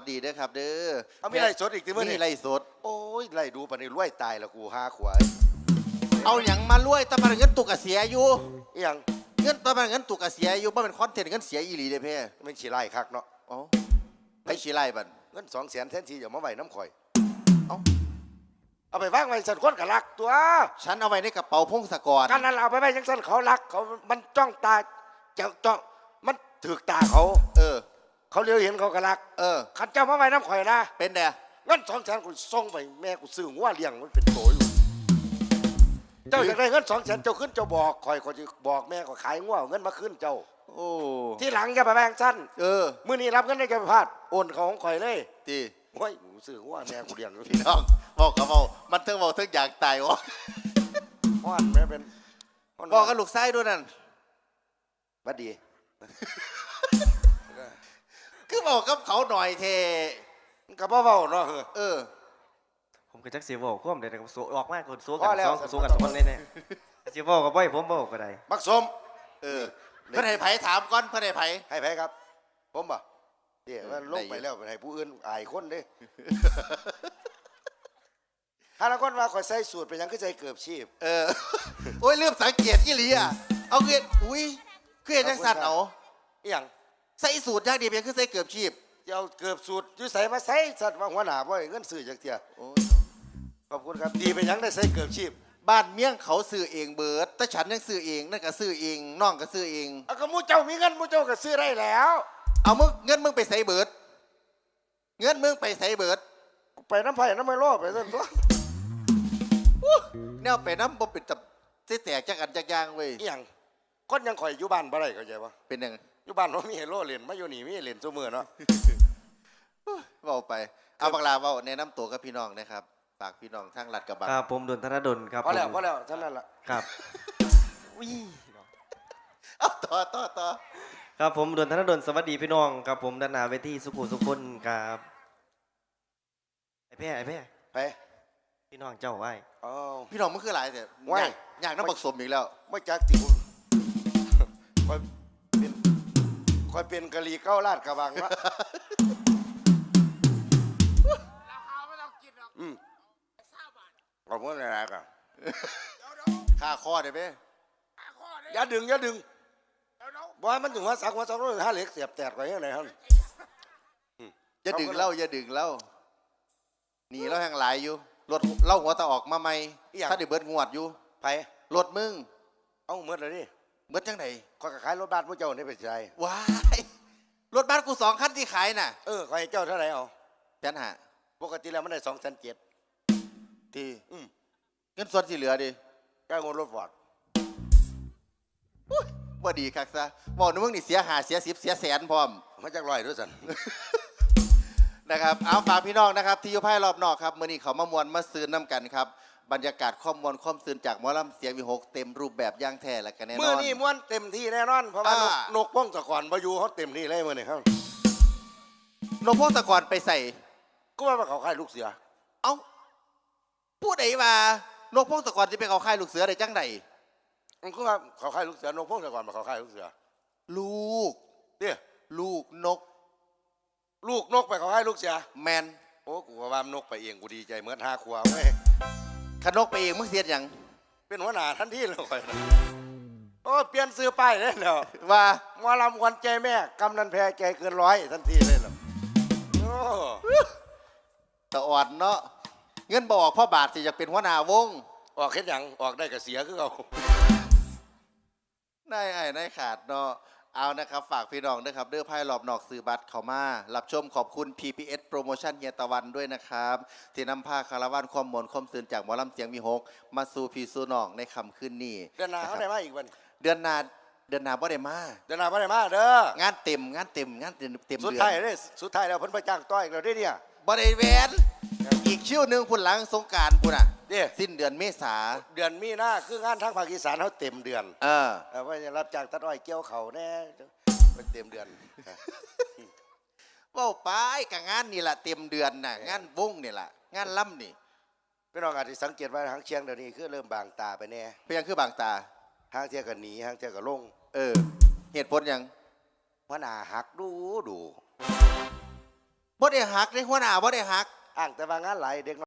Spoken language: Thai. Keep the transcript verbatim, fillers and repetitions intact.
ดีเด้อครับเด้อเอามีไรสดอีกทีมื้อนี้มีไรสดโอ้ยไรดูปานนี้รวยตายแล้วกูหาขวายเอาหยังมารวยตะมันเงินตุกเสียอยู่อีหยังเงินตะมันเงินตุกเสียอยู่บ่เป็นคอนเทนต์เงินเสียอีหลีเด้อเพ่มันสิไล่คักเนาะอ๋อไปสิไล่บัดเงิน สองแสน แทนที่จะมาไว้น้ำข่อยเอ้าเอาไปวางไว้สั่นคนก็รักตัวฉันเอาไว้ในกระเป๋าพงศกรกันนั้นเอาไปไว้จังซั่นเขารักเขามันจ้องตาเจ้าจ้องมันถูกตาเขาเออเขาเลี้ยวเห็นเขาก็รักเออคันเจ้ามาไว้น้ำข่อยนะเป็นเด้อเงิน สองแสน กูส่งไปแม่กูซื้อหัวเลี้ยงมันเป็นโตอยู่เจ้าอยากได้เงิน สองแสน เจ้าขึ้นเจ้าบอกข่อยข่อยสิบอกแม่ก็ขายงัวเงินมาขึ้นเจ้าโอ้ที่หลังอย่าไปแบ่งสั้นเออมื้อนี้รับเงินได้แกไปพลาดโอนเขาของข่อยเลยติโอ้ยกูซื้อหัวแม่กูเลี้ยงอยู่พี่น้องบอกกับเว้ามันถึงเว้าถึงอยากตายวะฮ้อนแม่เป็นบอกกับลูกชายด้วยนั่นบัดดีคือบอกกับเขาหน่อยเทก็บ่เว้าเนาะเออผมก็จักสิเว้าความได้ก็สู้ออกมาคนสู้กันสองสู้กันสองคนแน่ๆสิเว้าก็บ่ให้ผมเว้าก็ได้บักสมเออเพิ่นให้ไผถามก่อนเพิ่นให้ไผให้ไผครับผมบ่เดี๋ยวมันลงไปแล้วให้ผู้อื่นอายคนเด้ถ้าละคนว่าข่อยใส่สูตรเป็นหยังคือใส่เกือบชีพเออโอ้ยลืมสังเกตอีหลีอ่ะเอาเกิดอุ้ยคือเฮ็ดจังซั่นเอาอีหยังใส่สูตรอย่างเดียวเพียงคือใส่เกือบชีพจะเอาเกือบสูตรอยู่ใส่มาใส่สัตว์ว่าหัวหน้าบ่ให้เงินซื้อจักเที่ยโอ้ขอบคุณครับดีเป็นหยังได้ใส่เกือบชีพบ้านเมี่ยงเขาซื้อเองเบิดแต่ฉันยังซื้อเองนั่นก็ซื้อเองน้องก็ซื้อเองเอาก็มูเจ้ามีเงินมูเจ้าก็ซื้อได้แล้วเอามึงเงินมึงไปใส่เบิดเงินมึงไปใส่เบิดไปน้ำไผ่น้ำไมโลไปซั่นตัวแนวไปน้ำบ่เป็นตับสิแตกจักอันจักอย่างเว้ยอีหยังคนยังข่อยอยู่บ้านบ่ได้เข้าใจบ่เป็นจังอยู่บ้านบ่มีให้โลเล่นมาอยู่นี่มีเล่นซุมื้อเนาะเว้าไปเอาบักลาเว้าแนะนำตัวกับพี่น้องนะครับฝากพี่น้องทางลัดกระบังครับผมดลธนดลครับพอแล้วพอแล้วเท่านั้นล่ะครับอุ้ยเอาต่อต่อต่อครับผมดลธนดลสวัสดีพี่น้องครับผมด้านหน้าเวทีสุขุมสุคนครับไอ้แพ้ไอ้แพ้ไปพี่น้องเจ้าไว้อ๋อพี่น้องมันคือหลายแต่ว่าอยากน้ำบักสมอีกแล้วไม่จักติคุณคอยเป็นคอยเป็นกะหรี่เก้าลาดกระบังละอืมขอบคุณอะไรกันค่าข้อได้ไหมอย่าดึงอย่าดึงบอกมันถึงว่าสักว่าสักร้อยห้าเหล็กเสียบแตกไปยังไงครับอย่าดึงเล่าอย่าดึงเล่าหนีแล้วแห่งหลายอยู่รถเล่าหัวตาออกมาใหม่ถ้าได้เบิดงวดอยู่ไปรถมึงเอาเมื่อไรนี่เบิดจังไหนข้อยขายรถบ้านพวกเจ้านี่เป็นใจว้ายรถบ้านกูสองคันที่ขายน่ะเออขายเจ้าเท่าไหร่เอาแสนห้าปกติแล้วมันได้สองแสนเจ็ดที่เงินส่วนที่เหลือดิแก้เงินรถฟอร์ดว่าดีคักซะบอกนึกว่านี่เสียหาเสียสิบเสียแสนพร้อมมาจากลอยด้วยสันนะครับเอาฝากพี่น้องนะครับที่อยู่ภายรอบนอกครับเมื่อนี้เขามามวนมาซื้อน้ำกันครับบรรยากาศข้อมวลข้อมซื้อจากหมอลำเสียงวิหกเต็มรูปแบบย่างแท้และกันแน่นอนเมื่อนี้ม้วนเต็มที่แน่นอนเพราะว่านกป้องตะกอนบายูเขาเต็มที่เลยเมื่อนี้ครับนกพงศกรไปใส่ก็ว่าเขาค่ายลูกเสือเอ้าพูดไอ้ว่านกพงศกรจะไปเขาค่ายลูกเสือได้จังไดมันก็ว่าเขาค่ายลูกเสือนกพงศกรมาเขาค่ายลูกเสือลูกเนี่ยลูกนกลูกนกไปเขาค่ายลูกเสือแมนโอ้กูว่านกไปเองกูดีใจเหมือนห้าขวบเว้ยขนกไปเองมึงเสียอย่างเป็นหัวหน้าทันทีเลยคอยโอ้เปลี่ยนซื้อป้ายเลยเนาะว่าหมอลำควันใจแม่กำนันแพ้ใจเกินร้อยทันทีเลยเนาะโอ้ตะอ่อนเนาะเงินบอกพ่อบาทสิอยากเป็นหัวหน้าวงออกแค่ยังออกได้กับเสียคือเอาได้ไอ้ได้ขาดเนาะเอานะครับฝากพี่น้องด้วยครับเด้อไพ่หลอบนอกซื้อบัตรเข้ามารับชมขอบคุณ พี พี เอส โปรโมชั่นเฮียตะวันด้วยนะครับที่นำผ้าคาราวานความมนความตื่นจากหมอลำเสียงมีหกมาสู่พี่สู่น้องในคำขึ้นนี่เดือนหน้าเขาได้มาอีกวันเดือนหน้าเดือนหน้าบ่ได้มาเดือนหน้าบ่ได้มาเด้องานเต็มงานเต็มงานเต็มเต็มเดือนสุดท้ายเลยสุดท้ายแล้วเพิ่นไปจ้างต้อยเราได้เนี่ยบ่ได้แหวนอีกคิวหนึ่งพุ่นหลังสงการพุ่นอ่ะสิ้นเดือนเมษาเดือนมีนาคืองานทางภาคอีสานเขาเต็มเดือนเออว่าจะรับจ้างตัดอ้อยเกี่ยวเขาแน่เป็นเต็มเดือนว่าไปกับงานนี่แหละเต็มเดือนน่ะงานวงนี่แหละงานล่ำนี่พี่น้องอาจจะสังเกตว่าทางเชียงเดี๋ยวนี้คือเริ่มบางตาไปแน่เพียงคือบางตาทางเที่ยกันหนีทางเที่ยกันลงเออเหตุผลยังพระนาหักดูดูบ่ได้หักได้หัวหน้าบ่ได้หักอ้างแต่ว่างานหลายเด็ก